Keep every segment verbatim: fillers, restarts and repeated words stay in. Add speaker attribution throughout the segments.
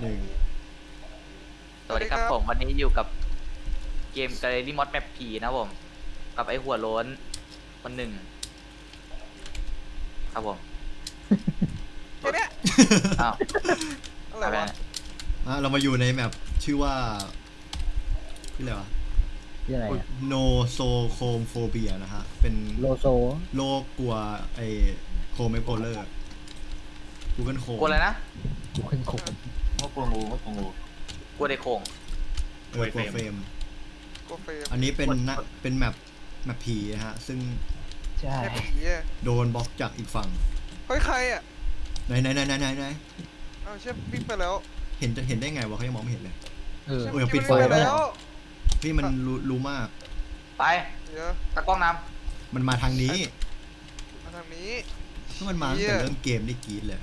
Speaker 1: หนึ่ง
Speaker 2: สวัสดีครับผมวันนี้อยู่กับเกม Gallery Mod Map ผีนะผมกับไอหัวโล้นคนหนึ่งครับผม
Speaker 3: แค่เนี้ย
Speaker 2: อ้าว
Speaker 3: อะไรวะ
Speaker 1: อ่ะเรามาอยู่ในแมปชื่อว่าชื่ออะไรวะ
Speaker 4: ชื่ออะไรอะ
Speaker 1: โนโซโคมโฟเบียนะฮะ เป็น
Speaker 4: โลโซ
Speaker 1: โรคกลัวไอโคมไอโพเลอร์กูเกิลโคม
Speaker 2: กลัวอะไรนะ
Speaker 4: กูขึ้นคุก
Speaker 5: ว่ากลัวงูว่ากลัวงู
Speaker 2: กลัวไดโคง
Speaker 1: เออกลัวเฟรม
Speaker 3: โกเฟม
Speaker 1: อันนี้เป็นนะเป็นแมปแมปผีนะฮะ ซึ่ง
Speaker 4: ใช่
Speaker 3: แค่ผีอ่ะ
Speaker 1: โดนบล็อกจากอีกฝั่ง
Speaker 3: เฮ้ยใครอ่ะ
Speaker 1: ไหนไหนไหนไหนไหนไหน
Speaker 3: อ้าวเชฟวิ่งไปแล้ว
Speaker 1: เห็นจะเห็นได้ไงวะเขายังมองไม่เห็นเลย
Speaker 4: เออ
Speaker 3: เชฟ
Speaker 1: โอ้ยปิดไฟ
Speaker 3: วิ่งไป
Speaker 1: ด้วย
Speaker 3: แล้ว
Speaker 1: พี่มันรู้รู้มาก
Speaker 2: ไป
Speaker 3: เดี๋ยว
Speaker 2: ตะกล้องน
Speaker 1: มันมาทางนี้
Speaker 3: มาทางนี้
Speaker 1: ถ้ามันมาตั้งแต่เริ่มเกมได้กรีดเลย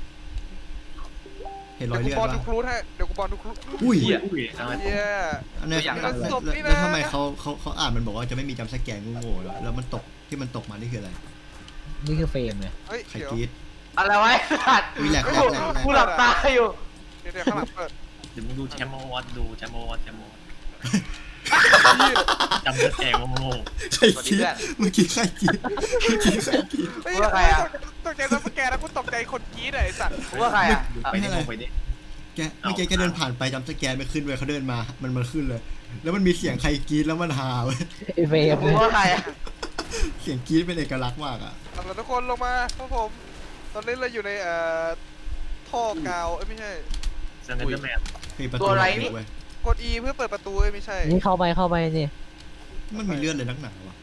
Speaker 1: เห็นร
Speaker 3: เดี๋
Speaker 1: อย
Speaker 3: ยวกู
Speaker 1: เลือด
Speaker 3: บอล
Speaker 1: ปะ
Speaker 3: ทุกรูทให้เดี๋ยวกูบอลทุกรูท
Speaker 1: อุ้ย
Speaker 2: ำเหี้ย
Speaker 5: อุ้ยอะไร
Speaker 3: เย้
Speaker 1: อันนี้
Speaker 2: ตัวอย่าง
Speaker 1: แล้ว
Speaker 3: นะ
Speaker 1: แล้ว
Speaker 3: ศพนี่นะ
Speaker 1: แล้วทำไมเขาเขาเขาอ่านมันบอกว่าจะไม่มีจำสแกนโง่ๆแล้วแล้วมันตกที่มันตกมานี่คืออะไร
Speaker 4: นี่คือเฟรมไง
Speaker 3: เฮ้ย
Speaker 1: ใคร
Speaker 3: เดี๋ยว
Speaker 1: กรีด
Speaker 2: อะไรวะสัตว์
Speaker 1: อุ้ยแหลกแหลกแหลกแหลก
Speaker 2: กูหลับตาอยู่
Speaker 3: เดี๋ยวเดี๋ยวข้างหลังเปิด
Speaker 5: เดี๋ยวมึงดูแชมป์โมวัดดูแชมป์โมวัดแชมป์โมวัด
Speaker 3: เหี้ย
Speaker 5: จำได้แกงโง่
Speaker 1: ใครกรีดเมื่อกี้ใครกรีดเมื่อกี้ใครกรีด
Speaker 3: เฮ้ย
Speaker 2: กูว่าใครอะ
Speaker 3: ตกใจแล้วแกแล้วกูตกใจคนกรี๊ดอะไอ้สัตว์
Speaker 2: กูว่าใครอ่ะ
Speaker 5: ดู
Speaker 2: อ่ะ
Speaker 5: ไปดิไปดิ
Speaker 1: แกเมื่อกี้แกเดินผ่านไปจำสแกนไม่ขึ้นเลยเขาเดินมา มันมันขึ้นเลย แล้วมันมีเสียงใครกรีดแล้วมันฮาเว้ย
Speaker 4: ไอเฟรม
Speaker 2: กูว่าใครอ่ะ
Speaker 1: เสียงกรีดเป็นเอกลักษณ์มากอ่ะ
Speaker 3: เอาล่ะทุกคนลงมาครับผม ตอนนี้เราอยู่ในเอ่อท่อกาวเอ้ยไม่ใช่
Speaker 5: เซนเดอร์แมน
Speaker 1: ปิดประตูเว้ย
Speaker 3: กด E เพื่อเปิดประตูเอ้ยไม่ใช่
Speaker 4: นี่เข้าไปเข้าไปนี่
Speaker 1: มันมีเลือดเลยนักหนาวะ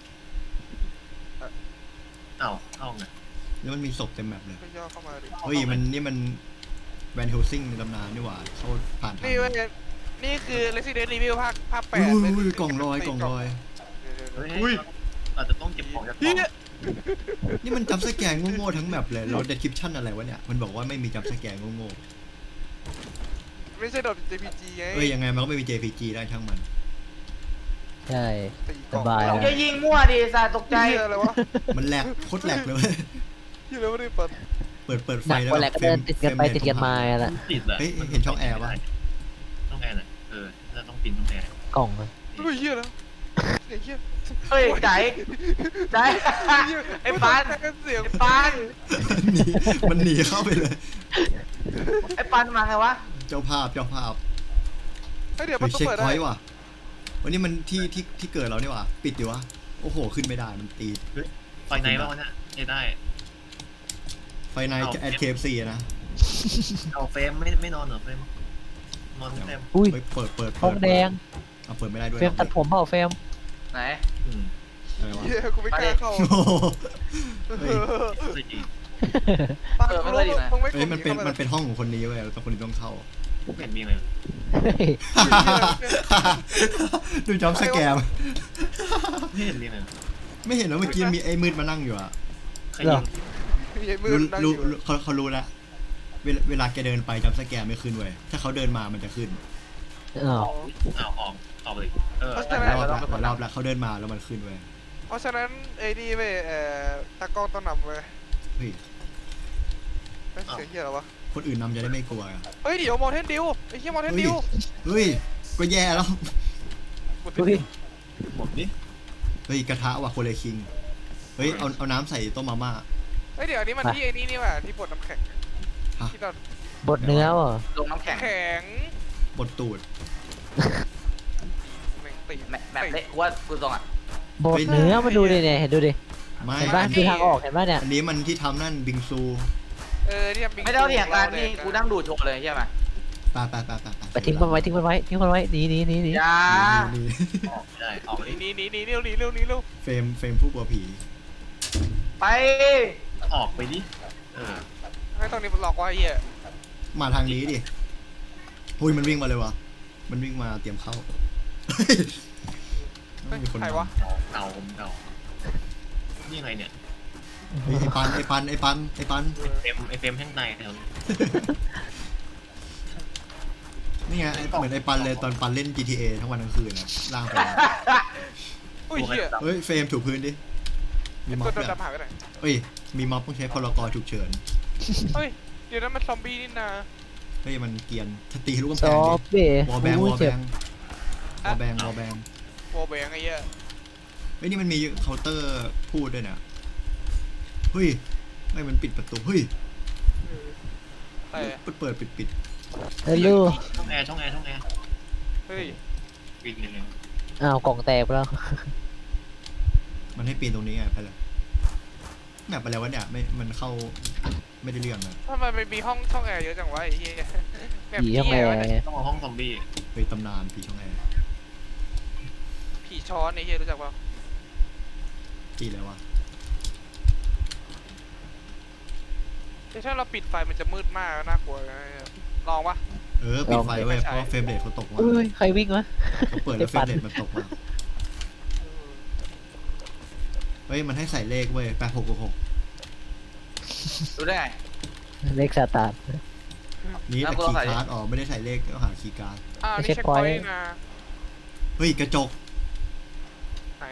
Speaker 5: อ้าวเข้าไง
Speaker 1: แล้วมันมีศพเต็มแมปเลย
Speaker 3: ก็ย่อเข้ามาดิ
Speaker 1: เฮ้ยมันนี่มันแวนเฮลซิงในตำนานนี่หว่าเขาผ่านทาง
Speaker 3: นี่เว้ยนี่คือ Resident Evil ภาคภาคแป
Speaker 1: อุ้
Speaker 3: ด
Speaker 1: ย
Speaker 3: เลย
Speaker 1: อุ้ยกล่องลอยกล่องลอย
Speaker 3: เดี๋ยวๆๆ
Speaker 5: เฮ้ยอาจจะต้องเก็บของจากกล่อง
Speaker 1: นี่มันจำสแกนโง่ๆทั้งแมปเลยเราเดสคริปชั่นอะไรวะเนี่ยมันบอกว่าไม่มีจำสแกนโง่
Speaker 3: ไม่ใช่ดอท เจ พี จี ไง
Speaker 1: ๆเอ้ยยังไงมันก็ไม่มี เจ พี จี ได้ช่างมัน
Speaker 4: ใช่
Speaker 3: ตีกล่อง
Speaker 4: สบาย
Speaker 2: อย่ายิงมั่วดิสัตว์ตกใจ
Speaker 3: เหี้ยอะไรวะ
Speaker 1: มันแหลกโคตรแหลกเลยเว้ย
Speaker 3: ที่เราไม่ได้เปิด
Speaker 1: เปิดเปิดไฟ
Speaker 4: หนัก
Speaker 1: แล้ว
Speaker 4: กว่าแหละก็เดินติดกันไปติดกันมาแหละ
Speaker 5: ติดเลยช่องแอร์น่ะเออแล้วต้องปินช่องแอร์
Speaker 4: กล่องเลย
Speaker 3: อุ้ยเหี้ยแล้วเสียงเหี้ย
Speaker 2: เฮ้ยใจใจไอ้ปาน
Speaker 3: เสียง
Speaker 2: ไอ้ปาน
Speaker 1: หนีมันหนีเข้าไปเลย
Speaker 2: ไอ้ปานมาไงวะ
Speaker 1: เจ้าภาพเจ้าภาพ
Speaker 3: เฮ้ยเดี๋ยวป
Speaker 1: เฮ้
Speaker 3: ระ
Speaker 1: ย
Speaker 3: ตู
Speaker 1: เช็ค
Speaker 3: เปิด
Speaker 1: พ
Speaker 3: ได้
Speaker 1: อยต์ว่ะวันนี้มันที่ที่ที่เกิดเราเนี่ยว่ะปิดดิวะโอ้โหขึ้นไม่ได้มันตี
Speaker 5: ไฟในบ้างวะเนี่ยไม่ได้
Speaker 1: ไฟในแอดเคฟซีนะ
Speaker 5: เอาเฟรมไม่ไม่นอนเหรอเฟรมนอนเฟรม
Speaker 4: อุ้ย
Speaker 1: เฮ้ยเปิดเปิด
Speaker 4: ห้องแดง
Speaker 1: เอาเปิดไม่ได้ด้วย
Speaker 4: เฟรมตัดผมเปล่าเฟรม
Speaker 2: ไหน
Speaker 5: อืม
Speaker 1: อะไรวะ
Speaker 3: เหี้ยกูไม่กล้าเข้า
Speaker 1: โอ้โหเฮ้ย
Speaker 5: ใช่จริง
Speaker 3: ปานกูรู้มึงไม่ก
Speaker 1: เฮ้ย
Speaker 3: ด
Speaker 1: มันเป็น
Speaker 3: ข้า
Speaker 1: มันเป็นห้องของคนนี้เว้ยแล้วคนนี้ต้องเข้า
Speaker 5: ไม่เห็นมีเลย
Speaker 4: เฮ้ย
Speaker 1: ดูจอมสแกม
Speaker 5: ไม่เห็นมีเลย
Speaker 1: ไม่เห็นแล้วเมื่อกี้มีไอ้มืดมานั่งอยู่อะ
Speaker 5: ใครยิง
Speaker 3: มีไอ้มือ
Speaker 1: รู้
Speaker 3: นั่งอ
Speaker 1: รู้
Speaker 3: ยู่
Speaker 1: รู้เขาเขารู้แล้วเวลาเวลาแกเดินไปจอมสแกมไม่ขึ้นเว้ยถ้าเขาเดินมามันจะขึ้น
Speaker 4: อ้าว
Speaker 5: อ้าวออกออกเลยเออ
Speaker 1: หลายรอบแล้วหลายรอบแล้วเขาเดินมาแล้วมันขึ้นเว้ย
Speaker 3: เพราะฉะนั้นไอ้นี่เว้ยเอ่อตากล้องต้องนำเว้ย
Speaker 1: เฮ้ย
Speaker 3: เฮ้ยเสียงเหี้ยอะไรวะ
Speaker 1: คนอื่นนำจะได้ไม่กลัวอะ
Speaker 3: เฮ้ยเดี๋ยวมอเทนดิวไอ้เหี้ยมอเทน
Speaker 1: เฮ้ย
Speaker 3: ดิว
Speaker 1: เฮ้ยก็แย่แล้ว
Speaker 4: อุ้ย
Speaker 5: หมดดิ
Speaker 1: เฮ้ยกระทะว่ะโคเลคิงเฮ้ยเอาเอาน้ำใส่ต้มมาม่า
Speaker 3: เฮ้ยเดี๋ยวอันนี้มันที่ไอ้นี่นี่ว่ะที่บดน้ำแข็ง
Speaker 1: ฮะ
Speaker 3: ที่เรา
Speaker 4: บดเนื้อเหรอ
Speaker 2: ลงน้ำแข็ง
Speaker 3: แข็ง
Speaker 1: บดตูด
Speaker 3: แม่งตี
Speaker 2: แมแบบเละกูว่ากูตรงอ่ะ
Speaker 4: บดเนื้อมาดูดิเนี่ยเห็นดูดิ
Speaker 1: ไม่
Speaker 4: เห็นป่ะคือทางออกเห็นป่ะเนี่ย
Speaker 1: อันนี้มันที่ทำนั่นบิงซู
Speaker 3: เออที่ทำบิงซู
Speaker 2: ไม่ได้เถียงกันนี่กูนั่งดูโชว์เลยใช่ไหม
Speaker 1: ไปไปไปไป
Speaker 4: ไปทิ้งมันไว้ทิ้งมันไว้ทิ้งมันไว้หนีหนีหนีหนี
Speaker 2: อย่า
Speaker 1: นี่
Speaker 5: ออกไม่ได้ออกไม่
Speaker 3: หนี
Speaker 5: ได้
Speaker 3: หนีหนีหนีเร็วหนีเร็วหนีเร็ว
Speaker 1: เฟรมเฟรมผู้กลัวผี
Speaker 2: ไป
Speaker 5: ออกไปดิเออ
Speaker 3: ให้ตอนนี้มันหลอกว่าไอ้เหี้ย
Speaker 1: มาทางนี้ดิหุยมันวิ่งมาเลยวะมันวิ่งมาเตรียมเข้า
Speaker 3: เฮ้ย
Speaker 1: มีคน
Speaker 3: ใครวะ
Speaker 5: เก่าผมเก่านี่ไงเนี่ย
Speaker 1: เฮ้ยไอปันไอปันไอปันไอปัน
Speaker 5: เฟรมไอเฟรมแห้งในแถวนี้
Speaker 1: นี่ไงไอ้เหมือนไอปันเลยตอนปันเล่น จี ที เอ ทั้งวันทั้งคืนนะล่างไป
Speaker 3: อุ้ยเหี้ย
Speaker 1: เฮ้ยเฟรมถูพื้นดิมีม็อ
Speaker 3: ตั
Speaker 1: บ
Speaker 3: วโด
Speaker 1: ด้วย
Speaker 3: นดำหายไปไหน
Speaker 1: เฮ้ยมีม็อบต้องใช้พลกรฉุกเฉิน
Speaker 3: เฮ้ยเดี๋ยวนั้นมันซอมบี้นี่นา
Speaker 1: เฮ้ยมันเกรียนถ้าตีลูกกำ
Speaker 4: ซ
Speaker 1: แพ
Speaker 4: อง
Speaker 1: ดิ
Speaker 4: เบ้
Speaker 1: วอลแบงว
Speaker 4: อุ้
Speaker 1: อย ลแบ
Speaker 4: เจ็บ
Speaker 1: งวอลแบงวอลแบง
Speaker 3: โบแบงไอ้เหี้ย
Speaker 1: เฮ้ยนี่มันมีเคาน์เตอร์พูดด้วยเนี่ยเฮ้ยไม่มันปิดประตูเฮ้ย
Speaker 3: แต่
Speaker 1: เปิดเปิดปิดปิด
Speaker 4: เฮ้ยลูก
Speaker 5: ช่องแอร์ช่องแอร์ช่องแอร์
Speaker 3: เฮ้ย
Speaker 5: วิ่งเลยเลย
Speaker 4: อ้าวกล่องแตกไปแล้ว
Speaker 1: มันให้ปีนตรงนี้ไงไปเลยแมปไปแล้ววะเนี่ยไม่มันเข้าไม่ได้เรื่องนะ
Speaker 3: ทำไมมันมีห้องช่องแอร์เยอะจังวะไอ้เหี้ยแบบ
Speaker 4: ผีช่องแอ
Speaker 3: เหี้
Speaker 4: ร์
Speaker 3: ยวะเนี่ย
Speaker 5: ต้องเอาห้องซอมบี้
Speaker 1: ไปตำนานผีช่องแอร์
Speaker 3: ผีช้อนไอ้เหี้ยรู้จักป่ะ
Speaker 1: ปีแล้ววะ
Speaker 3: แต่ถ้าเราปิดไฟมันจะมืดมากน่ากลัวนะลองปะ
Speaker 1: เออปิดไฟเว้ย
Speaker 3: ไม่ใช่
Speaker 1: เพราะเฟรมเรทเขาตกมา
Speaker 4: อุ้ยใครวิ่งวะ
Speaker 1: เขาเปิดแล้วเฟรมเรทมันตกมาเฮ้ยมันให้ใส่เลขเว้ยแปดหกหก
Speaker 2: รู้ได้ไง
Speaker 4: เลขซาตาน
Speaker 1: นี่
Speaker 2: แล้
Speaker 1: แต่
Speaker 2: วกู
Speaker 1: คี
Speaker 2: ต้อง
Speaker 1: ย์
Speaker 2: ใส่
Speaker 1: การ์ดอ๋อไม่ได้ใส่เลขก็หาคีย์การ์ด
Speaker 3: อ้าวนี่
Speaker 4: เช็ค
Speaker 3: เช็ค
Speaker 4: พ
Speaker 3: พ
Speaker 4: อ
Speaker 3: อย
Speaker 4: ต์
Speaker 3: ต์นะ
Speaker 1: เฮ้ยกระจก
Speaker 3: ไหน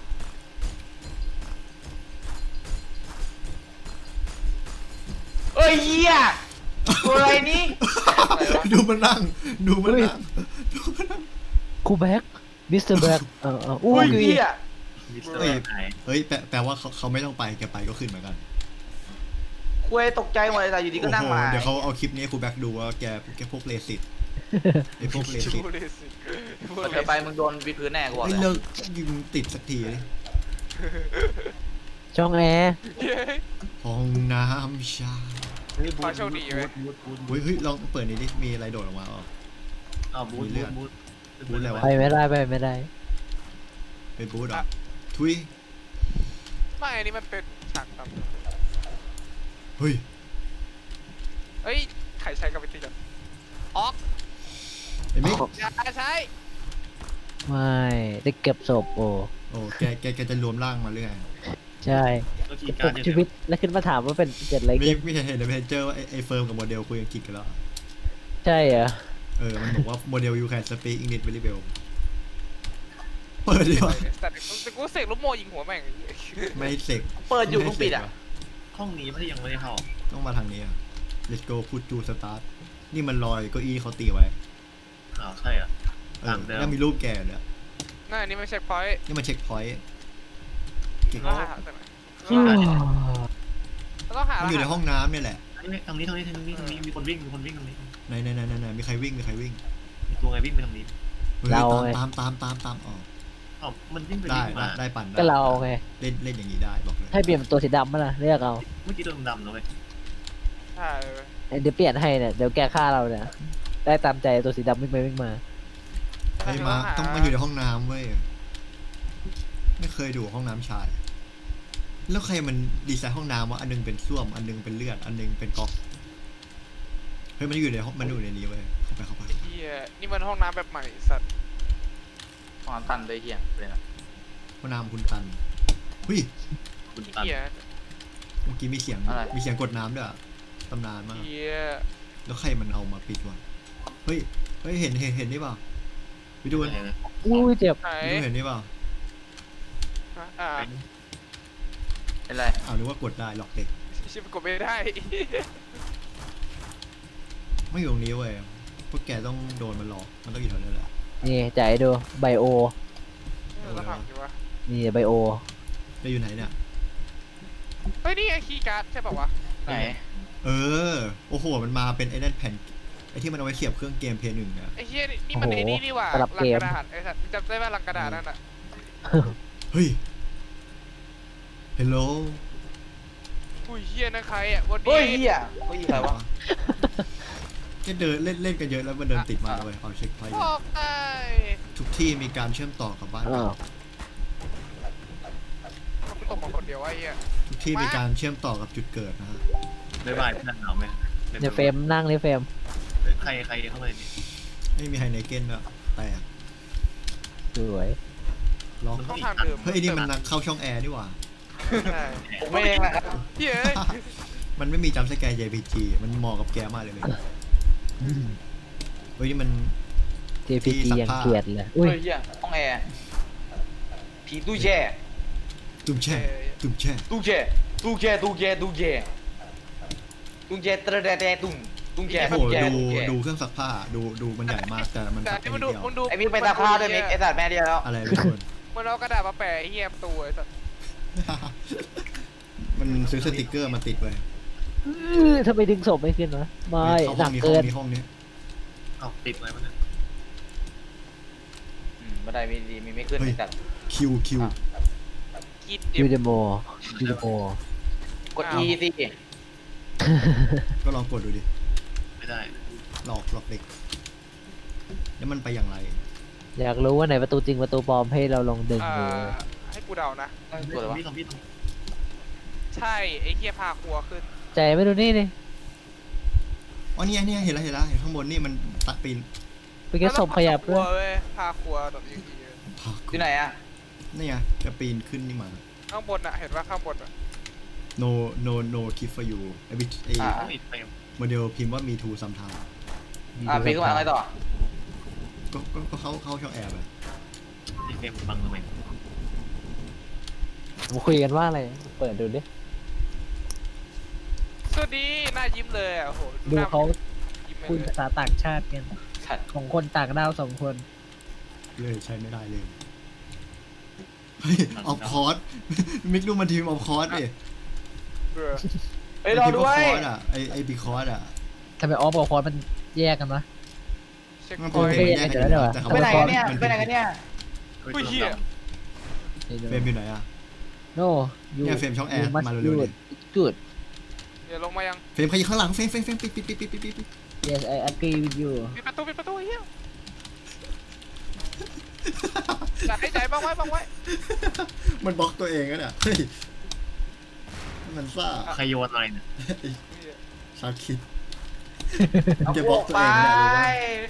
Speaker 2: เอ้ยเหี้ยตัวอะไรนี่
Speaker 1: ดูมันนั่งดูมันนั่งดูมันนั่ง
Speaker 4: ครูแบ็กมิสเตอร์แบ็กเออเอออุ้
Speaker 2: อุ้
Speaker 4: ย
Speaker 2: ยเหี้ย
Speaker 5: มิสเตอร์แอร์หาย
Speaker 1: เฮ้ยแปลแปลว่าเขาเขาไม่ต้องไปแกไปก็ขึ้นเหมือนกัน
Speaker 2: คุยตกใจหมดเลยแต่อยู่ดีก็นั่ง
Speaker 1: โอ้โห
Speaker 2: มา
Speaker 1: เดี๋ยวเขาเอาคลิปนี้ให้ครูแบ็กดูว่าแกแกพวกเลสิตไอพวกเลสิต
Speaker 3: บูเลสิบู
Speaker 2: เปิด
Speaker 3: เล
Speaker 2: เธอไป
Speaker 3: สิ
Speaker 2: มึงโดนวิดพื้นแน่กูบอก
Speaker 1: ไอ้
Speaker 2: เลย
Speaker 1: เลิกยิงติดสักทีดิ
Speaker 4: ช่องแอร์
Speaker 3: เย้ย
Speaker 1: ห้องน้ำชาย
Speaker 3: ขอโชคดีเว้ย
Speaker 5: บูทบูทบู
Speaker 1: เฮ้ย
Speaker 5: ท
Speaker 1: เฮ้ยลองเปิดนี้ดิมีอะไรโดดออกมาอ๋อ
Speaker 5: อ้าวบูท
Speaker 1: มีเลื
Speaker 5: บู
Speaker 1: อด
Speaker 5: ทบูท
Speaker 1: บูทอะไรวะ
Speaker 4: ไปไม่ได้ไปไม่ได้
Speaker 1: เป็นบูธเหรอทุย
Speaker 3: ไม่อันนี้มันเป็นฉากต่ำ
Speaker 1: เฮ้ย
Speaker 3: เฮ้ยใครใช้กับวิธีจังออก
Speaker 1: ไอ้มิก
Speaker 3: อย่าใช้
Speaker 4: ไม่ได้เก็บศพโอ้
Speaker 1: โอ้แกแกแกจะรวมร่างมาเรื่อย
Speaker 4: ใช่
Speaker 5: ก็คี
Speaker 4: ป
Speaker 5: ย์การ์
Speaker 4: ลุ
Speaker 5: ด
Speaker 4: ก
Speaker 5: เนี่ย
Speaker 4: ชีวิตแล้วขึ้นมาถามว่าเป็นเกิดอะไร
Speaker 1: มี
Speaker 4: ขึ้น
Speaker 1: มีเห็นเห็นในเพจเจอร์ว่าไอ้ไอ้เฟิร์มกับโมเดลคุยอังกฤษกันแล้ว
Speaker 4: ใช่เหรอ
Speaker 1: เออ มันบอกว่าโมเดล you can speak English very well เปิดดีวะ
Speaker 3: แต่แต่กูเสกลูกโมยิงหัวแม่ง
Speaker 1: ไม่เสก
Speaker 2: เปิดอยู่มึงปิดอ่ะ
Speaker 5: ห้องนี้ไม่ได้ยังไม่ได้เข้า
Speaker 1: ต้องมาทางนี้อ่ะ let's go put to start นี่มันลอยเก้าอี้เขาตีไว้
Speaker 5: อ้าวใช่อ่ะ
Speaker 1: เออ
Speaker 5: ตามเดิม
Speaker 1: แล้วมีรูปแกเนี่ย
Speaker 3: น่าอันนี้ไม่เช็คพอยต์
Speaker 1: นี่มันเช็คพอยต์เก่ง
Speaker 3: เราหาแต่ไหนเราต้องหา
Speaker 1: มันอยู่ในห้องน้ำเนี่ยแหละ
Speaker 5: นี่ทางนี้ทางนี้ทางนี้ทางนี้มีคนวิ่งมีคนวิ่งตรงนี้
Speaker 1: ไหนไหนไหนไหนไหนมีใครวิ่งมีใครวิ่ง
Speaker 5: มีตัวไงวิ่งไปทางนี้
Speaker 1: ฮ้ยตามตามตามตามตามอ๋อ
Speaker 5: อ้าวมันวิ่งไป
Speaker 1: ได้
Speaker 5: วิ่ง
Speaker 1: ได้
Speaker 5: มา
Speaker 1: ได้ปั่นได้
Speaker 4: ก็เราไง
Speaker 1: เล่นเล่นอย่างนี้ได้บอกเลย
Speaker 4: ให้เปลี่ยนเป็นตัวสีดำมาล่ะเลือกเอา
Speaker 5: เมื่อกี้ตัวดำๆแล้วเว้ย
Speaker 3: ใช่เว้ย
Speaker 4: เดี๋ยวเปลี่ยนให้เนี่ยเดี๋ยวแกฆ่าเราเนี่ยได้ตามใจตัวสีดำวิ่งไปวิ่งมา
Speaker 1: เฮ้ยมาต้องมาอยู่ในห้องน้ำเว้ยไม่เคยดูห้องน้ำชาย แล้วใครมันดีไซน์ห้องน้ำวะอันนึงเป็นส้วมอันนึงเป็นเลือดอันนึงเป็นก๊อกเฮ้ยมันอยู่ในห้องมันอยู่ในนี้เว้ยเข้าไปเข้าไป
Speaker 3: เฮียนี่มันห้องน้ำแบบใหม่สัตว์
Speaker 2: ห้องน้ำตันเลยเหี้ยเลยนะ
Speaker 1: ห้องน้ำคุณตันเฮ้ย
Speaker 5: คุณตัน
Speaker 3: เฮีย
Speaker 1: เมื่อกี้มีเสียงมีเสียงกดน้ำด้วยอะตำนานมาก
Speaker 3: เฮีย
Speaker 1: แล้วใครมันเอามาปิดวะเฮ้ยเฮ้ยเห็นเห็นเห็นนี่เปล่าไปดู
Speaker 5: อะไรนะ
Speaker 4: อุ้ยเจ็บ
Speaker 3: ไหน
Speaker 1: ไปดูเห็นนี่เปล่า
Speaker 3: อ่า
Speaker 2: เป็นไร
Speaker 1: อ้าวนึกว่ากดได้หลอกเด็ก
Speaker 3: ชิบกดไม่ได้
Speaker 1: ไม่อยู่ตรงนี้เว้ยพวกแกต้องโดนมันหลอกมันต้องอยู่แถวนั้นแหละ
Speaker 4: นี่จ่ายดูไบโอ
Speaker 3: เราทำอยู่วะ
Speaker 4: นี่ไบโอ
Speaker 1: ไปอยู่ไหนเนี่ย
Speaker 3: เฮ้ยนี่ไอคีย์การ์ดใช่ป่าวะ
Speaker 2: ไหน
Speaker 1: เออโอ้โหมันมาเป็นไอ้นั่นแผ่นไอ้ที่มันเอาไว้เสียบเครื่องเกมเพย์หนึ่งอะ
Speaker 3: ไอเฮียนี่มันไอนี่นี่ว่ะลังกระดาษไอสัตว์จำได้ว่าลังกระดาษนั่นอ่ะ
Speaker 1: เฮ้ย hello
Speaker 3: อุ้ยเฮียนั่นใครอ่ะวัน
Speaker 2: เฮ้
Speaker 3: นี้
Speaker 2: ยเหี้ยเฮ้ยใครวะ
Speaker 1: แค่เดินเล่นเล่นกันเยอะแล้วมันเดินติดมาเลยเอาเช็คพอยต์
Speaker 3: บอกไอ้
Speaker 1: ทุกที่มีการเชื่อมต่อกับบ้าน
Speaker 4: อ้าว
Speaker 3: เขาตกมาคนเดียวไอ้เฮีย
Speaker 1: ทุกที่มีการเชื่อมต่อกับจุดเกิดนะฮะ
Speaker 5: บ๊ายบายพี่นันหนาวไหม
Speaker 4: ในเฟรมนั่งในเฟรม
Speaker 5: ใครใครเข้ามานี่
Speaker 1: ไม่มีไฮไนเก้นด้วยแตก
Speaker 4: สวย
Speaker 1: ล็อก
Speaker 3: ต้องทางเดิม
Speaker 1: เฮ้ยไอ้นี่มันนักเข้าช่องแอร์นี่หว่า
Speaker 3: ใช่
Speaker 2: ผมไม่เองนะครับ
Speaker 3: เฮีย
Speaker 1: มันไม่มีจัมป์สแกร์ เจ พี จี มันเหมาะกับแกมากเลยเลยเฮ้ยนี่มัน
Speaker 4: เจพี
Speaker 1: ที่
Speaker 4: จี
Speaker 1: ซัก
Speaker 4: ยัง
Speaker 1: ผ้า
Speaker 4: เกลียดเลยอุ้ย
Speaker 2: เฮ้ยเหี้ยห้องแอร์ผีตู้แช่
Speaker 1: ตุ้มแช่ตุ้มแช่
Speaker 2: ตู้แช่ตู้แช่ตู้แช่ตู้แช่ตู้แช่ตระแดแดตุ้มกุ้งแก่
Speaker 1: โอ้โห
Speaker 2: กุ้งแก่
Speaker 1: ดู
Speaker 2: กุ้งแก่
Speaker 1: ดูเครื่องซักผ้าดูดูมันใหญ่มากแต่มัน
Speaker 3: แต่
Speaker 1: ซัก
Speaker 3: นี่
Speaker 1: ได้
Speaker 3: มัน
Speaker 1: นิด
Speaker 3: ดู
Speaker 1: เดียว
Speaker 3: มันดู
Speaker 2: ไอ้มีไปตาผ้าด้วยมิกไอ้สัตว์แม่เดียวแล้ว
Speaker 1: อะไรเป็นคน
Speaker 3: มันเอากระดาษมาแปะไอ้เหี้ยประตูไอ้สัส
Speaker 1: มันซื้อสติกเกอร์มาติดไว้
Speaker 4: อื้อทำไมดึงศพไม่ขึ้นวะไม่
Speaker 1: เข้า
Speaker 4: ห
Speaker 1: ห้
Speaker 4: นั
Speaker 1: อง
Speaker 4: ก
Speaker 1: นี้ห้
Speaker 4: เกิ
Speaker 1: อง
Speaker 4: น
Speaker 1: นี้ห้องนี้
Speaker 5: เอาติดไว้มันนะ
Speaker 2: อืมบันไดมีดีมีไม่ขึ้นไอ้สัตว์
Speaker 1: คิวคิว
Speaker 2: อ่ะ
Speaker 3: กิน
Speaker 4: ยู
Speaker 3: เอ็ม
Speaker 4: เดโมยูเดโม
Speaker 2: กด E สิ
Speaker 1: ก็ลองกดดูดิ
Speaker 5: ไม่ได้
Speaker 1: หลอกหลอกเด็กแล้วมันไปอย่างไร
Speaker 4: อยากรู้ว่าไหนประตูจริงประตูปลอมให้เราลองดึง
Speaker 3: อ่า
Speaker 4: ดู
Speaker 3: ให้กูเดานะ
Speaker 2: กดอะไรวะ
Speaker 5: พี่ตรงพี่ตรง
Speaker 3: ใช่ไอ้เหี้ยพาครัวขึ้น
Speaker 4: ใจไม่ดูนี่นี่
Speaker 1: อ๋อเนี่ยเนี่ยเห็นแล้วเห็นแล้วเห็นข้างบนนี่มันตัดปีน
Speaker 4: เป็นแค่ศพขยับ
Speaker 3: ครั
Speaker 4: ด้
Speaker 3: ว
Speaker 4: วย
Speaker 3: เว้ยพาครัวแบบอย่างนี้
Speaker 1: พา
Speaker 2: ที่ไหนอ่ะ
Speaker 1: นี่ไงจะปีนขึ้นนี่มา
Speaker 3: ข้างบนอะเห็นว่าข้างบนอะ
Speaker 1: no no no keep for you ไอ้บิไอ้
Speaker 2: อ่า
Speaker 5: ติดเฟรม
Speaker 1: โมเดลพิมพ์ว่ามีทูซัมทาง
Speaker 2: อ่ะปีนขึ้นมาอะไรต่อ
Speaker 1: ก็ก็ก็เข้าเข้าช่องแอร์ไป
Speaker 5: ติดเฟรมบังทำไม
Speaker 4: ผมคุยกันว่าอะไร เปิดดูดิ
Speaker 3: สวัสดีหน้ายิ้มเลยอะโอ้โห
Speaker 4: ดู
Speaker 3: หน้
Speaker 4: เขา
Speaker 3: ยิ้ม
Speaker 4: คุย
Speaker 3: เลย
Speaker 4: ภาษาต่างชาติกัน
Speaker 2: สัตว์
Speaker 4: ของคนต่างดาวสองคน
Speaker 1: เลยใช้ไม่ได้เลยเฮ้ยออฟคอร์ส มิกดูมันทีมออฟคอร์สดิ
Speaker 3: เบื่อ
Speaker 2: เฮ้ยรอด้วย
Speaker 1: คอร์สอ่ะไอไอบีคอร์สอ่ะ
Speaker 4: ทำไมออฟกับคอร์สมันแยกกันวะ
Speaker 3: เช็ค
Speaker 1: มัน
Speaker 3: พอย
Speaker 1: เป็น
Speaker 3: ต์
Speaker 1: แยกกัน
Speaker 4: เดี๋ยวเดี๋ยว
Speaker 1: แต่เขา
Speaker 2: ไปไหนกันเนี่ย
Speaker 1: มั
Speaker 2: ไปไหนกันเนี่ย
Speaker 3: อุ้ยเหี้ย
Speaker 1: เฟรมอยู่ไหนอ่ะ
Speaker 4: โนยู
Speaker 1: เนี่ยเฟรมช่องแอร์มาเร็วๆดิ
Speaker 4: กูด
Speaker 3: เดี๋ยวลงมายัง
Speaker 1: เฟรมใครอยู่ข้างหลังเฟรมเฟรมเฟรมปิดปิดปิดปิดปิดปิดปิด
Speaker 4: yes I agree with you
Speaker 3: ปิดประตูปิดประตูไอ้เหี้ยจัดให้ใจบ้างไว้บ้างไว้
Speaker 1: มันบล็อกตัวเองอะเนี่ยเฮ้ยมันซ่า
Speaker 5: ใครโยนอะไรเนี่ย
Speaker 1: ชาร์คิด
Speaker 2: เอา
Speaker 1: จะ
Speaker 2: พ
Speaker 1: บล็
Speaker 2: ว
Speaker 1: อก
Speaker 2: ก
Speaker 1: ตัว
Speaker 2: ไป
Speaker 1: เองเนี่ยรู้ปะ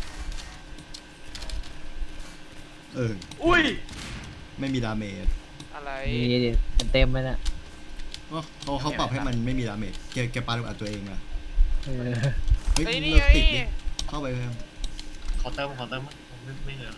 Speaker 1: เออ
Speaker 2: อุ้ย
Speaker 1: ไม่มีดาเมจ
Speaker 3: อะไร
Speaker 4: นี่ดิเต็มๆเลยนะ
Speaker 1: อ๋อเขาเขาปรับให้มันไม่มีดาเมจแกแกปาลูกอัดตัวเองอะ
Speaker 4: เออ
Speaker 1: เฮ้ย
Speaker 3: ไอ้นี่
Speaker 1: เลิก
Speaker 3: ไง
Speaker 1: ติดดิเข้าไปเพิ่ม
Speaker 5: เคาน์เตอร์เคาน์เตอร์มั้งไม่ไม่เลย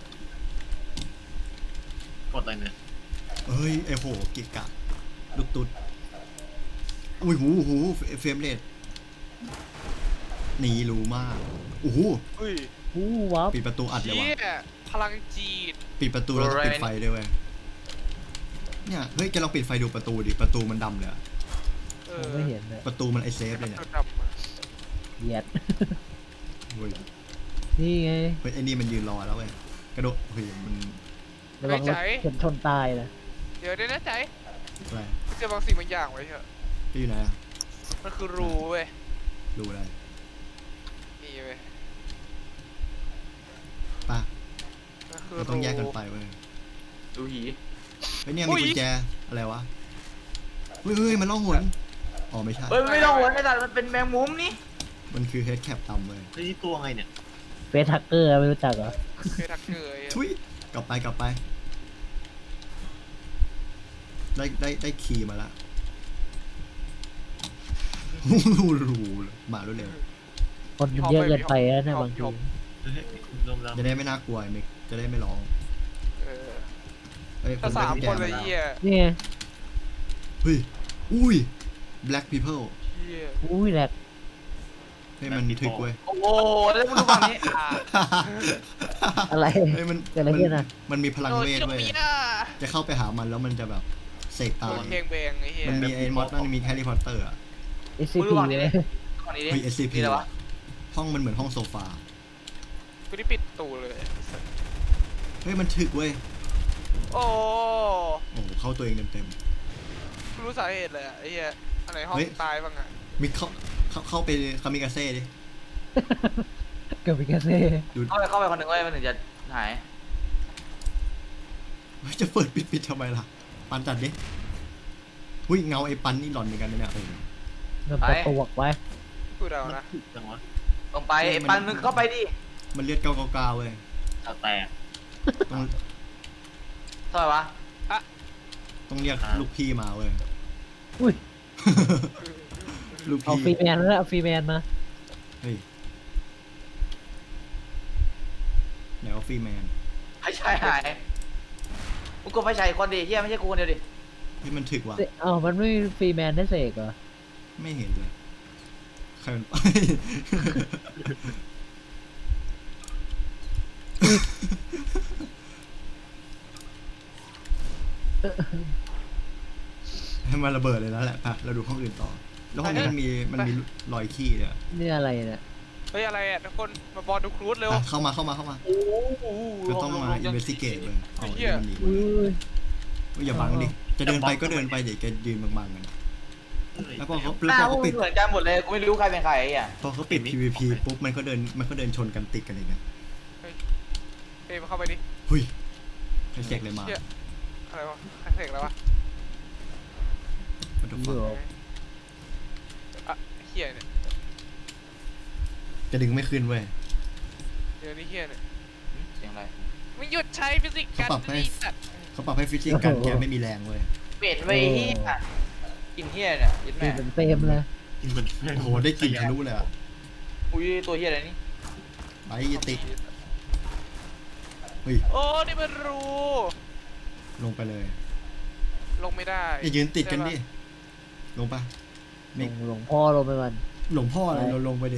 Speaker 5: กดอะไรเนี่ย
Speaker 1: เฮ้ยไอโหกิกะลูกตุ๊ดอุ้ยหูหูเฟรมเรทหนีรู้มากโอ้โห
Speaker 3: อุ้ย
Speaker 4: อู้ว้าว
Speaker 1: ปิดประตูอัดเลย
Speaker 3: เชี่
Speaker 1: ว่ะ
Speaker 3: ยพลังจีด
Speaker 1: ปิดประตูแล้วก็ปิดไฟด้วยเว้ยเนี่ยเฮ้ยแกลองปิดไฟดูประตูดิประตูมันดำเลยอะ
Speaker 3: เอ
Speaker 4: ผม
Speaker 3: อ
Speaker 4: ไม่เห็นเลย
Speaker 1: ประตูมันไอเซฟเลยเนี่ย
Speaker 3: ดำอะ
Speaker 4: เหยียด
Speaker 1: เฮ้ย
Speaker 4: นี่ไง
Speaker 1: เฮ้ยไอ้นี่มันยืนรอแล้วเว้ยกระโดดเฮ้ยมัน
Speaker 4: ระวังรถชนชนตายนะ
Speaker 3: เดี๋ยวเดี๋ยวนะใจ
Speaker 1: อะไร
Speaker 3: เจอบางสิ่งบางอย่างไว้เถอะ
Speaker 1: พี่อยู่ไหนอะ
Speaker 3: มันคือรูเว้ย
Speaker 1: ดูอะไร
Speaker 3: นี่เว้ย
Speaker 1: ป่ะ
Speaker 3: มันคือ
Speaker 1: เรา
Speaker 3: รู
Speaker 1: ต้องแยกกันไปเว้ย
Speaker 2: ดูหี
Speaker 1: เฮ้ยเนี่ย
Speaker 3: อุ๊
Speaker 1: มี
Speaker 3: ย
Speaker 1: กุญแจอะไรวะเฮ้ยเฮ้ยมันล่องหนอ๋อไม่ใช่
Speaker 2: เฮ้ยไม่ต้องหัวไอ้สัตว์มันเป็นแมงมุมนี่
Speaker 1: มันคือเฮดแคปดำเลย
Speaker 5: เฮ้ยตัวไงเนี่ย
Speaker 4: เฟสทักเกอร์ไม่รู้จักเหรอ
Speaker 3: เคยทักเกย
Speaker 1: ทุยกลับไปกลับไป ได้ได้ได้คีย์มาละรูรูมารวดเร็ว
Speaker 4: คนมันเยอะเกินไปแล้วเนะบางที
Speaker 5: เฮ้ยรวมแล้ว
Speaker 1: จะได้ไม่น่ากลัวไอ้มิกจะได้ไม่ร้อง
Speaker 3: เออ
Speaker 1: เฮ้ย
Speaker 3: ถ้าสาม
Speaker 1: ได้
Speaker 3: คน
Speaker 1: กุญแจ
Speaker 3: เลย
Speaker 1: มา
Speaker 3: เหี้ย
Speaker 4: นี่ไง
Speaker 1: เฮ้ยอุ้ย black people
Speaker 3: เหี้ย
Speaker 4: อุ้ยแหลก
Speaker 1: เฮ้ยมันถึกเว้ย
Speaker 2: โอ้โหแล้วมึงดูฝั่งนี้อ่ะ
Speaker 4: อะไร
Speaker 1: เฮ้ยมัน
Speaker 4: เกิดอะไรขึ้นอะ
Speaker 1: มันมีพลัง
Speaker 3: โดน
Speaker 1: เวท
Speaker 3: เจ้า
Speaker 1: เว้ย
Speaker 3: เมีย
Speaker 1: จะเข้าไปหามันแล้วมันจะแบบเสกตา
Speaker 3: โดนเพลงเบงไอ้เหี้ย
Speaker 1: มันมีไอ้มอสนั่นมีแฮร์รี่พอตเตอร์อะ
Speaker 4: เอสซีพีเลย
Speaker 2: ฝั่งนี้ดิ
Speaker 1: เฮ้ย เอส ซี พี
Speaker 2: นี่อะไรวะ
Speaker 1: ห้องมันเหมือนห้องโซฟา
Speaker 3: กูได้ปิดตูเลย
Speaker 1: เฮ้ยมันถึกเว้ย
Speaker 3: โอ้
Speaker 1: โอ้โหเข้าตัวเองเต็ม
Speaker 3: กูรู้สาเหตุเลยอะไอ้เหี้ยอันไหนห้อง
Speaker 1: เฮ้ย
Speaker 3: ตายบ้างอะ
Speaker 1: ๆมิกเข้าเข้าเข้าไปคามิกาเซ่ดิ
Speaker 4: เกิดเป็นกระเซ่
Speaker 1: ดู
Speaker 2: เข้าไปเข้าไปคนหนึ่งเว้ยมันถึงจะหาย
Speaker 1: เฮ้ยจะเปิดปิดปิดทำไมล่ะ ปันจัดดิหุ้ยเงาไอ้ปันนี่หลอนเหมือนกันนะเนี่ยเออ
Speaker 4: มันประตวกไว้
Speaker 3: กูเดา
Speaker 5: มัน
Speaker 3: นะ
Speaker 5: ถึกจังวะ
Speaker 2: ลงไปไอ้ปันมึงเข้าไปดิ
Speaker 1: มันเลือดเก้าเก้าเก้าเว้ย
Speaker 5: เอาแตก
Speaker 1: ต้อง
Speaker 2: เท่าไหร่วะ
Speaker 1: ต้องเรียกลูกพี่มาเว้ย
Speaker 4: อุ้ย
Speaker 1: ลูก
Speaker 4: เอาฟรี
Speaker 1: พี่
Speaker 4: แมนแล้วเอาฟรีแมนมา
Speaker 1: เฮ้ยไหนว่าฟรีแมน
Speaker 2: ไฟฉายหายมึงกดไฟฉายคนดิเฮียไม่ใช่กูคนเดียวดิ
Speaker 1: เฮ้ยมันถึกว่ะ
Speaker 4: เอ้ามันไม่มีฟรีแมนได้เสกเหรอ
Speaker 1: ไม่เห็นเลยใครมันไป ให้มันระเบิดเลยแล้วแหละไปเราดูห้องอื่นต่อ แล้วห้องนี้มันมีมันมีรอยขี้เนี่ย
Speaker 4: นี่อะไรเนี่ย
Speaker 3: เฮ้ยอะไรอ่ะทุกคนมาบอลดูครูดเร็ว
Speaker 1: อ่ะเข้ามาเข้ามาเข้ามา
Speaker 2: โอ้โห
Speaker 1: ก็ต้องมาอินเวสติเกตเลยเอา
Speaker 3: เหี้ย
Speaker 1: เรื่องนี้
Speaker 4: อุ้ย
Speaker 1: เฮ้ยอย่าบังดิ จะเดินไปก็เดินไปเดี๋ยวแกยืนบังๆกัน แล้วพอเขา
Speaker 2: ห
Speaker 1: แล้ว
Speaker 2: น้า
Speaker 1: พอ
Speaker 2: พวก
Speaker 1: เขา
Speaker 2: มึ
Speaker 1: ปิ
Speaker 2: ง
Speaker 1: ด
Speaker 2: เหมือนกันหมดเลยกูไม่รู้ใครเป็นใครไอ่ะ
Speaker 1: พอเขาปิด พี วี พี ปุ๊บมันก็เดินมันก็เดินชนกันติดกันเลยเนี่ย
Speaker 3: เอ้ยมาเข้าไปดิ
Speaker 1: หุยใครเสกเลยมา
Speaker 3: เหี้ยอะไรวะใครเสกแล้ววะ
Speaker 1: What the fuck
Speaker 3: อ่ะเฮียเนี่ย
Speaker 1: จะดึงไม่ขึ้นเว้ย
Speaker 3: เดี๋ยวนี้เฮียเนี่ย
Speaker 2: เสียงอะไร
Speaker 3: มึงหยุดใช้ฟิสิกส์กัน
Speaker 1: เขาปรับให้
Speaker 3: ดิสัตว์
Speaker 1: เขาปรับให้ฟิสิกส์กันแกไม่มีแรงเว้ย
Speaker 2: เป็ดไว้เฮียกินเฮียเนี่ยยิน
Speaker 4: ดู
Speaker 2: แม่
Speaker 4: เป็นเฟรมเลย
Speaker 5: กินเหมือน
Speaker 1: โอ้โหได้กลิ่นทะลุเลยอ่ะ
Speaker 2: อุ้ยตัวเฮียอะไรนี่
Speaker 1: ไปอย่าติดเฮ้ย
Speaker 3: โอ้นี่มันรู
Speaker 1: ลงไปเลย
Speaker 3: ลงไม่ได้
Speaker 1: อย่ายืนติดกันดิ ลงปะ
Speaker 4: หลวงหลวงพ่อลงไปก่อน
Speaker 1: หลวงพ่ออะไรเราลงไปดิ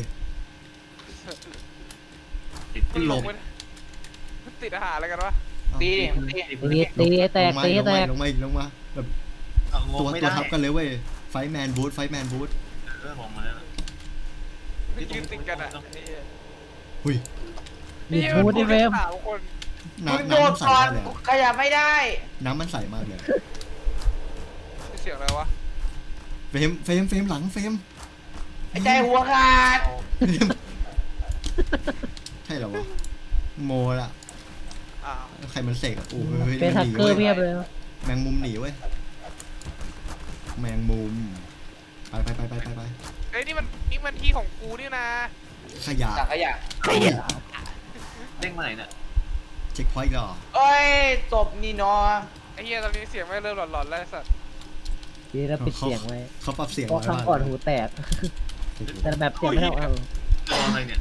Speaker 5: ติด
Speaker 3: มัน
Speaker 1: หล
Speaker 3: ล
Speaker 1: บ
Speaker 3: งไม่ได้มันติดอาหารอะไรกันวะ
Speaker 1: เอา
Speaker 2: ตีดิตี
Speaker 4: ตีตีให้แต
Speaker 1: ล
Speaker 4: ก
Speaker 1: งมา
Speaker 4: ตีให้
Speaker 1: ลง
Speaker 4: แต
Speaker 1: มาก ลงมาอีกลงมาแบบ
Speaker 5: เอาง
Speaker 1: ตัว
Speaker 5: งไม่
Speaker 1: ตัว
Speaker 5: ได้
Speaker 1: ทับกันเลยเว้ย ไฟแมนบูทไฟแมนบูท
Speaker 5: เออลงมาแล้ว
Speaker 3: มันยืนติดกันอ่ะไอ้เหี้ย
Speaker 1: หุย
Speaker 4: มีพูดดิเฟรม
Speaker 3: สามคน
Speaker 2: มึง
Speaker 1: น้ำ
Speaker 2: โด
Speaker 1: น้ำ
Speaker 2: ด
Speaker 1: มันใส
Speaker 2: ก่อน
Speaker 1: มากเลย
Speaker 2: กู
Speaker 1: อะ
Speaker 2: ขยับไม่ได้
Speaker 1: น้ำมันใสมากเลย
Speaker 3: เสียงอะไรวะ
Speaker 1: เฟรมเฟรมเฟรมหลังเฟรม
Speaker 2: ไอ้ใจหัวขาด
Speaker 1: เฟรมใช่เหรอวะโมละ
Speaker 3: อ้าว
Speaker 1: ใครมันเสกอะโอ้ย
Speaker 4: เป็น
Speaker 1: มั
Speaker 4: ทั
Speaker 1: น
Speaker 4: ก
Speaker 1: หนี
Speaker 4: เกอร์เพี
Speaker 1: เว้
Speaker 4: ย
Speaker 1: ย
Speaker 4: บเลย
Speaker 1: แมงมุมหนีเว้ย แมงมุม ไปไปไปไปไปไป
Speaker 3: เอ้ยนี่มันนี่มันที่ของกูนี่นะ
Speaker 1: ขยะ
Speaker 2: สังขยะ
Speaker 5: เด้งมาไหนเนี่ย
Speaker 1: เช็คพอยต์ก่อน
Speaker 2: เอ้ยศพนี่เนาะ
Speaker 3: ไอ้เหี้ยตอนนี้เสียงไม่เริ่มหลอนๆแล้วไอ้สัตว์
Speaker 4: ดีแล้วปิดเสียงไว้
Speaker 1: เขาปรับเสียง
Speaker 4: เพราะ
Speaker 1: ไว้
Speaker 4: ครั้ง
Speaker 1: ว่า
Speaker 4: ก่อนหูแตก แต่แบบเสียงไม่เท่าเอา
Speaker 5: ตัวอะไรเนี่ย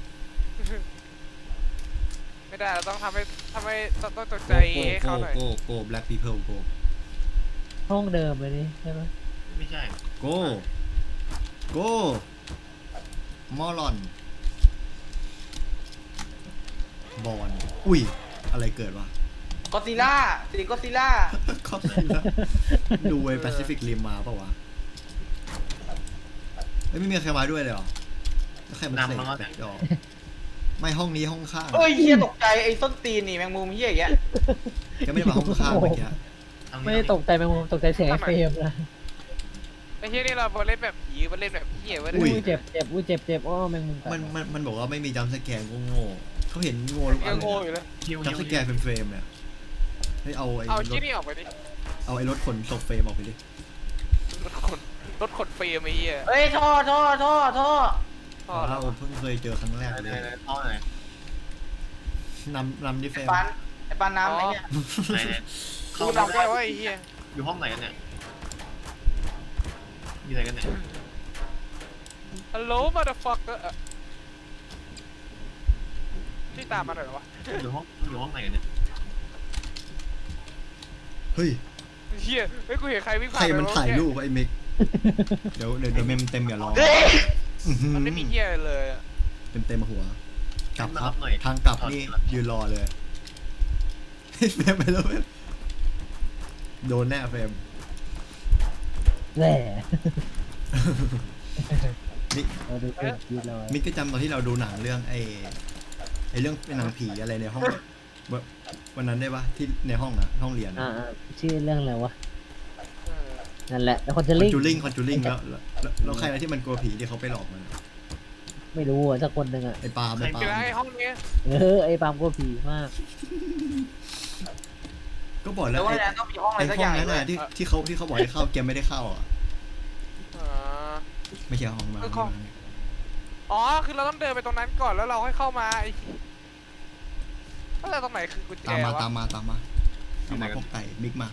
Speaker 3: ไม่ได้เราต้องทำให้ทำให้ต้องต้องตกใจ
Speaker 1: โก
Speaker 3: ให้
Speaker 1: โก
Speaker 3: เขาหน่อย
Speaker 1: โกโก black people go
Speaker 4: ห้องเดิมเลยนี่ใช่ไหม
Speaker 5: ไม่ใช่
Speaker 1: go go มอลอนบอลอุ้ย อะไรเกิดวะ
Speaker 2: ก็ซิล่าสีก็ซิล่า
Speaker 1: ก็สินะดูไอ้แปซิฟิกริมมาเปล่าวะเอ้ยไม่มีใครมาด้วยเลยเหรอแล้วใครมาเสกดอกไม่ห้องนี้ห้องข้าง
Speaker 2: เอ้ยเฮียตกใจไอ้ส้นตีนนี่แมงมุมเฮียอย่างเงี้ย
Speaker 1: แกไม่ได้มาห้องข้างเมื่อกี้
Speaker 5: ทางนี้
Speaker 4: ไม่ได้ตกใจแมงมุมตกใจเสียงไอ้เฟรมนะ
Speaker 3: ไอ้เหี้ยนี่เราเล่นแบบผีมาเล่นแบบเหี้ยเว้ย
Speaker 4: อุ้ยเจ็บเจ็บอุ้ยเจ็บเจ็บอ้อแมงมุมกัด
Speaker 1: มันมันมันบอกว่าไม่มีจัมป์สแกนก็โง่เขาเห็นโง่ทุกอั
Speaker 3: ยั
Speaker 1: น
Speaker 3: ง
Speaker 1: เล
Speaker 3: โง่
Speaker 1: ย
Speaker 3: อยู่เลย
Speaker 5: ฮิว
Speaker 1: จั
Speaker 5: ฮิ
Speaker 1: ม
Speaker 5: ว
Speaker 1: ป์สแกนเป็นเฟรมเนี่ยเฮ้ยเอาไอ้
Speaker 3: เอา
Speaker 1: ร
Speaker 3: ชิ้
Speaker 1: ถ
Speaker 3: นนี้ออกไปดิ
Speaker 1: เอาไอ้รถขนศพเฟรมออกไปดิ
Speaker 3: รถขนรถขนเฟรมไอ้เหี้ย
Speaker 2: เอ้ยท่อท่อท่อท่อ
Speaker 3: พ่อ
Speaker 1: เรา
Speaker 3: เรา
Speaker 1: เพิ่งเคยเจอครั้งแรก
Speaker 5: ไหน
Speaker 1: เลย
Speaker 5: ไหนท่อไหน
Speaker 1: นำนำดิเฟร
Speaker 2: ไอ้
Speaker 1: ม
Speaker 2: ปันไอ้ปันน้ำไอ้เนี่ย
Speaker 5: ไหนไหน
Speaker 3: กู
Speaker 5: เข้า
Speaker 3: จำได้ว่าไอ้เหี้ย
Speaker 5: อยู่ห้องไหนกันเนี่ยอยู่ไหนกันเนี่ย
Speaker 3: ฮัลโหลมาเดอะฟักเกอร์ที่ตามมาหน่อยเหรอวะ
Speaker 5: อยู่ห้องอยู่ห้องไหนกันเนี่ย
Speaker 1: เฮ้ย
Speaker 3: เหี้ยเฮ้ยกูเห็นใครวิ่ง
Speaker 1: ใค
Speaker 3: ผ่าร น
Speaker 1: มัน
Speaker 3: ป
Speaker 1: ถ่าย
Speaker 3: เมื่อกี้
Speaker 1: รูปไอ้มิกเดี๋ยวเดี๋ยวเดี๋ยวเมมเต็มอย่ารอ
Speaker 2: เฮ้ย
Speaker 1: อื้อหือ
Speaker 3: มันไม่มีเหี้ยอะไรเลยอะ
Speaker 1: เต็มเต็มมาหัว กลับครับ
Speaker 5: หน่อย
Speaker 1: ทางกลับนี่ยืนรอเลยเฟรมไปแล้วเฟรมโดนแน่เฟรม
Speaker 4: แหล่
Speaker 1: นี่
Speaker 4: เราดูเป็นทีเลย
Speaker 1: มิกก็จำตอนที่เราดูหนังเรื่องไอ้ไอ้เรื่องเป็นหนังผีอะไรในห้องวันวันนั้นได้ปะที่ในห้องนะห้องเรียน
Speaker 4: อ่าอ่าชื่อเรื่องอะไรวะ
Speaker 3: เออ
Speaker 4: นั่นแหละแล้วคนจะ
Speaker 1: คอน
Speaker 4: ลิง
Speaker 1: จูริงคอนจูริงแล้วแล้วแล้วแล้วใครนะที่มันกลัวผีที่เขาไปหลอกมัน
Speaker 4: ไม่รู้อ่ะสักคนหนึ่งอ่ะ
Speaker 1: ไอ้ปาล์มไอ้ปา
Speaker 3: เดี๋ยว
Speaker 1: ล์
Speaker 3: นะ
Speaker 1: ม
Speaker 3: ไอ้ห้องเนี้ย
Speaker 4: เออไอ้ปาล์มก็ผีมาก
Speaker 1: ก็บอกแล้
Speaker 2: แล้ว วว่า
Speaker 1: ไอ้
Speaker 2: เนี่ยต้องมีห้องอะไร
Speaker 1: ไอ้
Speaker 2: สัก
Speaker 1: ห้
Speaker 2: อ
Speaker 1: อง
Speaker 2: ย่าง
Speaker 1: นั้น
Speaker 2: เล
Speaker 1: น่ะ
Speaker 2: ย
Speaker 1: ที่ที่เขาที่เขาบอกให้เข้าแกไม่ได้เข้าอ่ะ
Speaker 3: อ่า
Speaker 1: ไม่ใช่ห้องมา
Speaker 3: เออของ อ๋อคือเราต้องเดินไปตรงนั้นก่อนแล้วเราค่อยเข้ามาไอ้แล้วตรงไหนคือกุญแจ
Speaker 1: ตามมาว
Speaker 3: ะ
Speaker 1: ตามมาตามมาตามมาพวกไก่มิกมา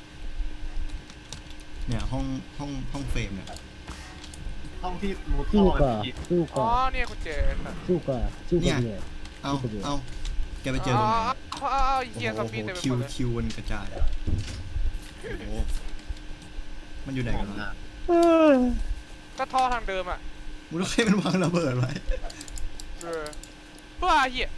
Speaker 1: เนี่ยห้องห้องห้องเฟรมเนี่ย
Speaker 5: ห้องที่มูท่
Speaker 4: สู้
Speaker 5: อ
Speaker 4: ก่อน
Speaker 5: ผี
Speaker 4: สู้
Speaker 3: อ๋
Speaker 4: ก่
Speaker 3: อ
Speaker 4: อน
Speaker 3: เนี่ยกุญแจ
Speaker 4: สู้ก่อนสู้ก่อนเลย
Speaker 1: เอาเอาแกไปเจอ
Speaker 3: อ๋
Speaker 1: ต
Speaker 3: อ
Speaker 1: รงไหน
Speaker 3: อ๋ออ๋อ
Speaker 1: โอ้
Speaker 3: เหี้ยซอม
Speaker 1: โห
Speaker 3: บี้เต็มไป
Speaker 1: คิ
Speaker 3: ห
Speaker 1: ว
Speaker 3: มดเลย
Speaker 1: คิวมันกระจายอะโอ้โหมันอยู่ไหนกันวะ
Speaker 3: ก็ท่อทางเดิมอ่ะ
Speaker 1: มึงต้องให้มันวางระเบิดไว้
Speaker 3: เออบ้าเหี้ย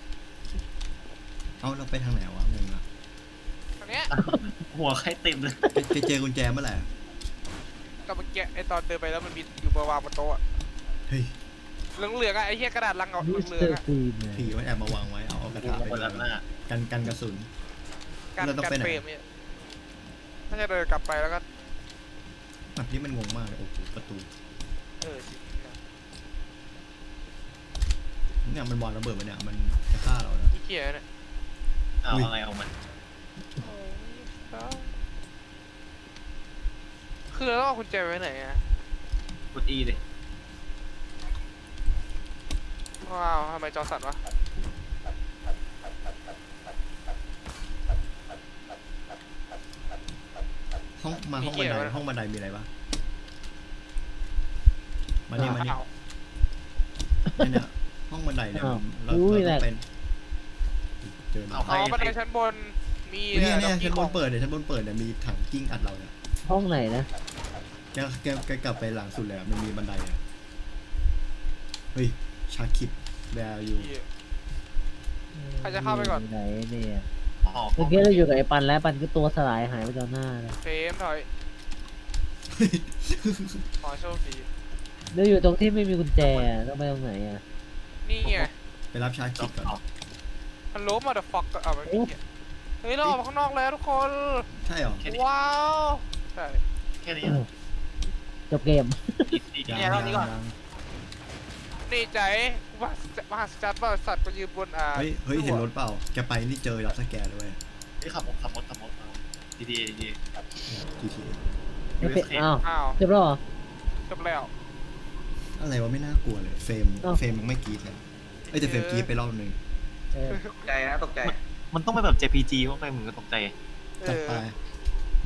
Speaker 1: เอาเราไปทางไหนวะงงอะ
Speaker 3: อันเนี้ย
Speaker 5: หัวใครติดเลย
Speaker 1: ไปไปเจอกุญแจเมื่อไหร่อะ
Speaker 3: กับเมื่อกี้ไอตอนเดินไปแล้วมันมีอยู่บนวางบนโต๊ะอะ
Speaker 1: เฮ้ย
Speaker 3: เหลืองๆอะไอเหี้ยกระดาษลังเอา
Speaker 4: มิส
Speaker 3: เหลื
Speaker 4: เต
Speaker 3: อ
Speaker 4: อง
Speaker 3: ๆ
Speaker 4: ร์
Speaker 3: อะ
Speaker 4: คลีนเนี่ย
Speaker 1: ผีมันแอบมาวางไว้เอาเอากระ
Speaker 5: กู
Speaker 1: ทะไป
Speaker 5: คนละหน้า
Speaker 1: กันกันกระสุน
Speaker 3: การ
Speaker 1: เราต้อง
Speaker 3: การ
Speaker 1: ไปไหน
Speaker 3: เฟรมเนี่ยถ้าจะเดินกลับไปแล้วก็
Speaker 1: แบบนี้มันงงมากเลยโอ้โหประตู
Speaker 3: เออจริงนะ
Speaker 1: เนี่ยมันวางระเบิดมาเนี่ยมันจะฆ่าเราแล้ว
Speaker 3: ขี้เกียจเนี่ย
Speaker 5: เอา
Speaker 1: อุ้ย
Speaker 5: อะไรเอามัน
Speaker 3: โอ้ยครับคือเราต้องเอากุญแจไว้ไหนอะ
Speaker 5: กดอีเลย
Speaker 3: ว้าวทำไมจอสั่นวะ
Speaker 1: ห้องมาห้องบันไดห้องบันไดมีอะไรปะมานี่มานี่
Speaker 3: อ้าว
Speaker 1: เนี่ยเนี่ยห้องบันไดเนี่ยมันเรา
Speaker 4: อุ้ย
Speaker 1: เรา
Speaker 4: แห
Speaker 1: ต้
Speaker 4: ละ
Speaker 1: องเป็นเจอ
Speaker 5: เอา
Speaker 1: แล้ว
Speaker 3: อ๋อบันไดชั้นบนมี
Speaker 1: เนี่ยเนี่ย
Speaker 3: ดอก
Speaker 1: ชั้นบ
Speaker 3: ข
Speaker 1: น
Speaker 3: อง
Speaker 1: เปิดเนี่ยชั้นบนเปิดเนี่ยมีถังกิ้งอัดเราเนี่ย
Speaker 4: ห้องไหนนะ
Speaker 1: แกแกแกกลับไปหลังสุดเลยอะมันมีบันไดอะเฮ้ยชาคิดแวร์อยู่
Speaker 3: เหี้ย ใครจะเข้าไปก่อน
Speaker 4: ไหนเนี่ย
Speaker 5: อ๋อ
Speaker 4: เมื่อกี้เราอยู่กับไอ้ปันแล้วปันก็ตัวสลายหายไปตอนหน้าเลย
Speaker 3: เฟรมถอยขอโชคดี
Speaker 4: เราอยู่ตรงที่ไม่มีกุญแจอะต้องไปตรงไหนอ่ะ
Speaker 3: นี่ไง
Speaker 1: ไปรับชาคิดก่อน
Speaker 3: ฮัลโหลมาเดอะฟ็อกเอาไปเหี้ยเฮ้ยเราออกมาข้างนอกแล้วทุกคน
Speaker 1: ใช่เหรอ
Speaker 3: ว้าวใช่
Speaker 5: แค่นี้
Speaker 4: จบเกม
Speaker 5: อีซี
Speaker 2: เนี่ยรอบนี้ก่อน
Speaker 1: ยัง
Speaker 3: นี่ใจว่ามหัศจรรย์บริษัทมายืนบนอ่า
Speaker 1: เฮ้ยเฮ้ยเห็นรถเปล่าแกไปนี่เจอรับสแกนด้วย
Speaker 5: ที่ขับรถขับรถขับรถเอาดีดีดี
Speaker 1: จีที
Speaker 4: ไม่เป็นอ้าว
Speaker 3: อ้าว
Speaker 4: จบแล้วเหรอ
Speaker 3: จบแล้ว
Speaker 1: อะไรวะไม่น่ากลัวเลยเฟรม
Speaker 4: อ้าว
Speaker 1: เฟรมยังไม่กรีดเลยเอ้ยแต่เฟรมกรีดไปรอบหนึ่ง
Speaker 4: เออ
Speaker 2: ตกใจนะตกใจ
Speaker 5: มันต้องไปแบบ เจ พี จี เข้าไปมึงก็ตกใจ
Speaker 3: เอ
Speaker 1: จัด
Speaker 3: อ
Speaker 1: ไป